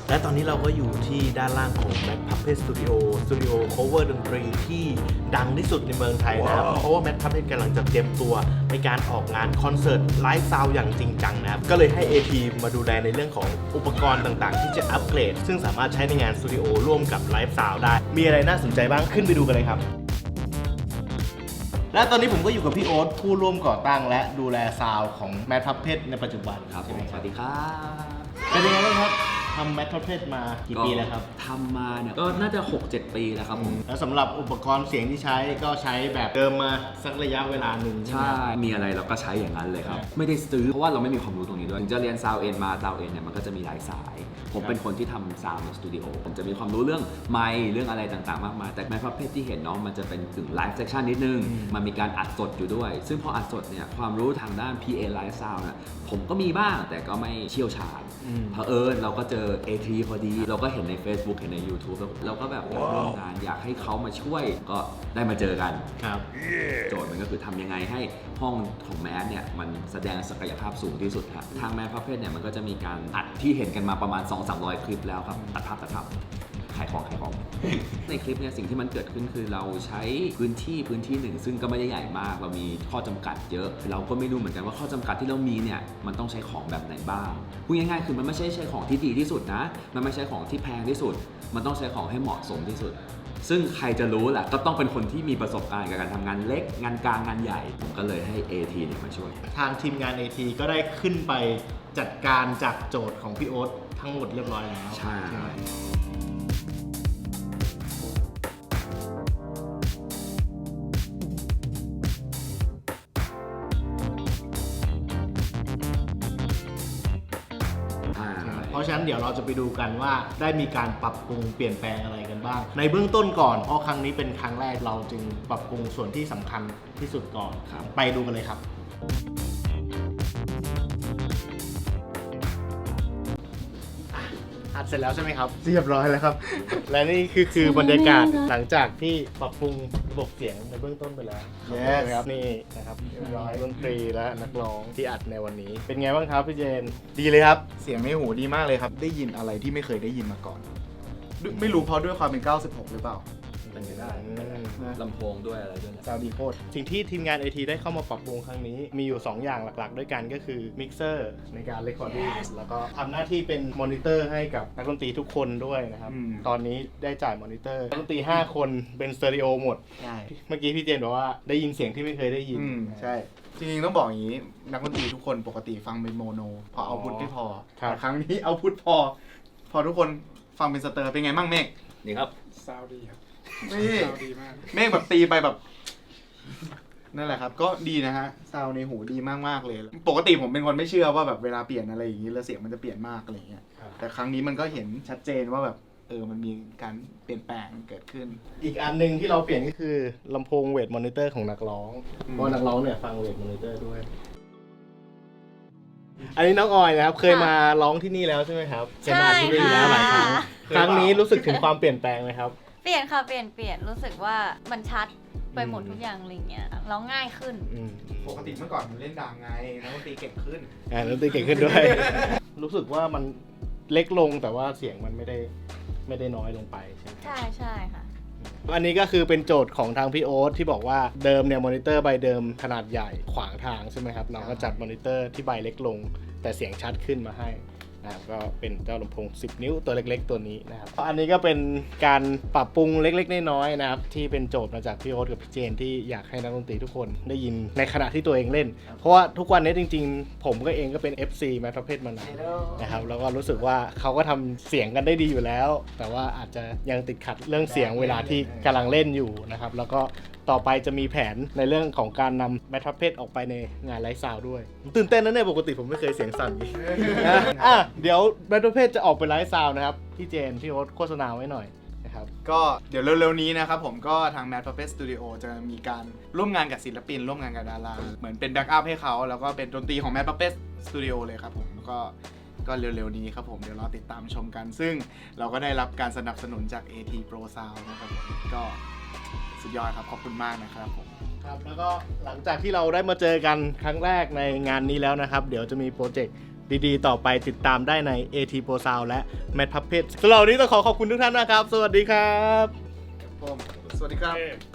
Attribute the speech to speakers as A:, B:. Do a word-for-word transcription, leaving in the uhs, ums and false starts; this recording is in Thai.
A: และตอนนี้เราก็อยู่ที่ด้านล่างของ Mad Puppet Studio สตูดิโอ cover ดนตรีที่ดังที่สุดในเมืองไทยนะครับ wow. เพราะว่า Mad Puppet กำลังจะเตรียมตัวในการออกงานคอนเสิร์ตไลฟ์ซาวด์อย่างจริงจังนะครับก็เลยให้ เอ ที มาดูแลในเรื่องของอุปกรณ์ต่างๆที่จะอัปเกรดซึ่งสามารถใช้ในงานสตูดิโอร่วมกับไลฟ์ซาวด์ได้มีอะไรน่าสนใจบ้างขึ้นไปดูกันเลยครับและตอนนี้ผมก็อยู่กับพี่โอ๊ตผู้ร่วมก่อตั้งและดูแลซาวด์ของ Mad Puppet ในปัจจุบัน
B: ครับผมสวัสดีครับ
A: เป็นยังไงบ้างครับทำ Mad Puppet มากี่ปีแล้วครับ
B: ทำมาเนี่ยก็น่าจะ หกเจ็ด ปีแล้วครับผม
A: แล้วสำหรับอุปกรณ์เสียงที่ใช้ก็ใช้แบบเดิมมาสักระยะเวลาหนึ่ง
B: ใช่มีอะไรเราก็ใช้อย่างนั้นเลยครับไม่ได้ซื้อเพราะว่าเราไม่มีความรู้ตรงนี้ด้วยถึงจะเรียนซาวเอ็นมาซาวเอ็นเนี่ยมันก็จะมีหลายสายผมเป็นคนที่ทำซาวในสตูดิโอผมจะมีความรู้เรื่องไมค์เรื่องอะไรต่างๆมากมายแต่ Mad Puppet ที่เห็นเนาะมันจะเป็นกึ่งไลฟ์เซสชั่นนิดนึงมันมีการอัดสดอยู่ด้วยซึ่งพออัดสดเนี่ยความรู้ทางด้าน พี เอ Live Sound น่ะผมก็มีบ้างแต่ก็ไม่เชี่ยวชาญเผอิญเราก็เจอ เอ ที พอดีเราก็เห็นใน Facebook เห็นใน YouTube แล้วเราก็แบบอยากร่วมงานอยากให้เขามาช่วยก็ได้มาเจอกัน
A: ครับ
B: โจทย์มันก็คือทำยังไงให้ห้องของแมสเนี่ยมันแสดงศักยภาพสูงที่สุดครับทาง Mad Puppet เนี่ยมันก็จะมีการอัดที่เห็นกันมาประมาณ สองถึงสามร้อย คลิปแล้วครับตัดภาพตัดภาพขายของขายของ ในคลิปเนี่ยสิ่งที่มันเกิดขึ้นคือเราใช้พื้นที่พื้นที่หนึ่งซึ่งก็ไม่ได้ใหญ่มากเรามีข้อจำกัดเยอะเราก็ไม่รู้เหมือนกันว่าข้อจำกัดที่เรามีเนี่ยมันต้องใช้ของแบบไหนบ้างพูดง่ายๆคือมันไม่ใช่ใช้ของที่ดีที่สุดนะมันไม่ใช่ของที่แพงที่สุดมันต้องใช้ของให้เหมาะสมที่สุดซึ่งใครจะรู้แหละก็ต้องเป็นคนที่มีประสบการณ์กับการทำงานเล็กงานกลางงานใหญ่ผมก็เลยให้ เอ ที เนี่ยมาช่วย
A: ทางทีมงาน เอ ที ก็ได้ขึ้นไปจัดการจากโจทย์ของพี่โอ๊ตทั้งหมดเรียบร้อยแล้ว
B: ใช่
A: เพราะฉะนั้นเดี๋ยวเราจะไปดูกันว่าได้มีการปรับปรุงเปลี่ยนแปลงอะไรกันบ้างในเบื้องต้นก่อนเพราะครั้งนี้เป็นครั้งแรกเราจึงปรับปรุงส่วนที่สำคัญที่สุดก่อนไปดูกันเลยครับอัดเสร็จแล้วใช่ไหมครับเรียบร้อยแล้วครับและนี่คือคือบรรยากาศหลังจากที่ปรับปรุงระบบเสียงในเบื้องต้นไปแล้วครับนี่นะครับเรียบร้อยดนตรีและนักร้องที่อัดในวันนี้เป็นไงบ้างครับพี่เจนดีเลยครับ
C: เสียงในหูดีมากเลยครับได้ยินอะไรที่ไม่เคยได้ยินมาก่อนไม่รู้เพราะด้วยความเป็นเก้าสิบหกหรือเปล่า
B: เป็นไปได้ลำโพงด้วยอะไรด้วย
A: ซาวด์ดีโคตรสิ่งที่ทีมงาน เอ ที ได้เข้ามาปรับปรุงครั้งนี้มีอยู่สองอย่างหลักๆด้วยกันก็คือมิกเซอร์ในการเรคคอร์ดิ้งแล้วก็ทำหน้าที่เป็นมอนิเตอร์ให้กับนักดนตรีทุกคนด้วยนะครับตอนนี้ได้จ่ายมอนิเตอร์นักดนตรีห้าคนเป็นสเตอริโอหมดใช่เมื่อกี้พี่เจนบอกว่าได้ยินเสียงที่ไม่เคยได้ยิน
C: ใช่จริงๆต้องบอกอย่างนี้นักดนตรีทุกคนปกติฟังเป็นโมโนพอเอาพุทไม่พอแต่ครั้งนี้เอาพุทพอพอทุกคนฟังเป็นสเตอร์เป็นไงบ้างเมฆ
B: ดีครับ
D: ซาวดีครับ
C: นี่เมฆแบบตีไปแบบนั่นแหละครับก็ดีนะฮะซาวในหูดีมากๆเลยปกติผมเป็นคนไม่เชื่อว่าแบบเวลาเปลี่ยนอะไรอย่างนี้แล้วเสียงมันจะเปลี่ยนมากอะไรอย่างเงี้ยแต่ครั้งนี้มันก็เห็นชัดเจนว่าแบบเออมันมีการเปลี่ยนแปลงเกิดขึ้น
A: อีกอันนึงที่เราเปลี่ยนก็คือลำโพงเวทมอนิเตอร์ของนักร้องเพราะนักร้องเนี่ยฟังเวทมอนิเตอร์ด้วยอันนี้น้องออยนะครับเคยมาร้องที่นี่แล้วใช่ไหมครับ
E: ใช่
A: ค่ะหลายครั้งครั้งนี้รู้สึกถึงความเปลี่ยนแปลงไหมครับ
E: เปลี่ยนค่ะเปลี่ยนเปลี่ยนรู้สึกว่ามันชัดไปหมดทุกอย่างอะไรเงี้ยร้องง่ายขึ้น
C: ปกติเมื่อก่อนมันเล่นดังไงนักดนตรีเก่งขึ้น
A: อ่านักดนตรีเก่งขึ้นด้วยรู้สึกว่ามันเล็กลงแต่ว่าเสียงมันไม่ได้ไม่ได้น้อยลงไปใช่ไหม
E: ใช่ใช่ค่ะ
A: อันนี้ก็คือเป็นโจทย์ของทางพี่โอ๊ตที่บอกว่าเดิมเนี่ยมอนิเตอร์ใบเดิมขนาดใหญ่ขวางทางใช่ไหมครับน้องก็จัดมอนิเตอร์ที่ใบเล็กลงแต่เสียงชัดขึ้นมาให้นะครับก็เป็นเจ้าลำโพงสิบนิ้วตัวเล็กๆตัวนี้นะครับอันนี้ก็เป็นการปรับปรุงเล็กๆน้อยๆนะครับที่เป็นโจทย์มาจากพี่โอ๊ตกับพี่เจนที่อยากให้นักดนตรีทุกคนได้ยินในขณะที่ตัวเองเล่นเพราะว่าทุกวันนี้จริงๆผมก็เองก็เป็น เอฟ ซี Mad Puppet มานานนะครับแล้วก็รู้สึกว่าเขาก็ทำเสียงกันได้ดีอยู่แล้วแต่ว่าอาจจะยังติดขัดเรื่องเสียงเวลาที่กำลังเล่นอยู่นะครับแล้วก็ต่อไปจะมีแผนในเรื่องของการนำ Mad Puppet ออกไปในงานไลฟ์ซาวด์ด้วยตื่นเต้นนะเนี่ยปกติผมไม่เคยเสียงสั่นอย่างนี้นะอ่ะเดี๋ยว Mad Puppet จะออกไปไลฟ์ซาวด์นะครับพี่เจนพี่โอ๊ตโฆษณาไว้หน่อยนะครับ
C: ก็เดี๋ยวเร็วๆนี้นะครับผมก็ทาง Mad Puppet Studio จะมีการร่วมงานกับศิลปินร่วมงานกับดาราเหมือนเป็นแบ็กอัพให้เขาแล้วก็เป็นดนตรีของ Mad Puppet Studio เลยครับผมก็ก็เร็วๆนี้ครับผมเดี๋ยวรอติดตามชมกันซึ่งเราก็ได้รับการสนับสนุนจาก เอ ที Pro Sound นะครับผมก็สสุดยอดครับขอบคุณมากนะครับผม
A: ครับแล้วก็หลังจากที่เราได้มาเจอกันครั้งแรกในงานนี้แล้วนะครับ เดี๋ยวจะมีโปรเจกต์ดีๆ ต่อไปติดตามได้ใน เอ ที Pro Sound และ Mad Puppet สำหรับวันนี้ต้องขอขอบคุณทุกท่านนะครับ สวัสดีครับ
C: ผมสวัสดีครับ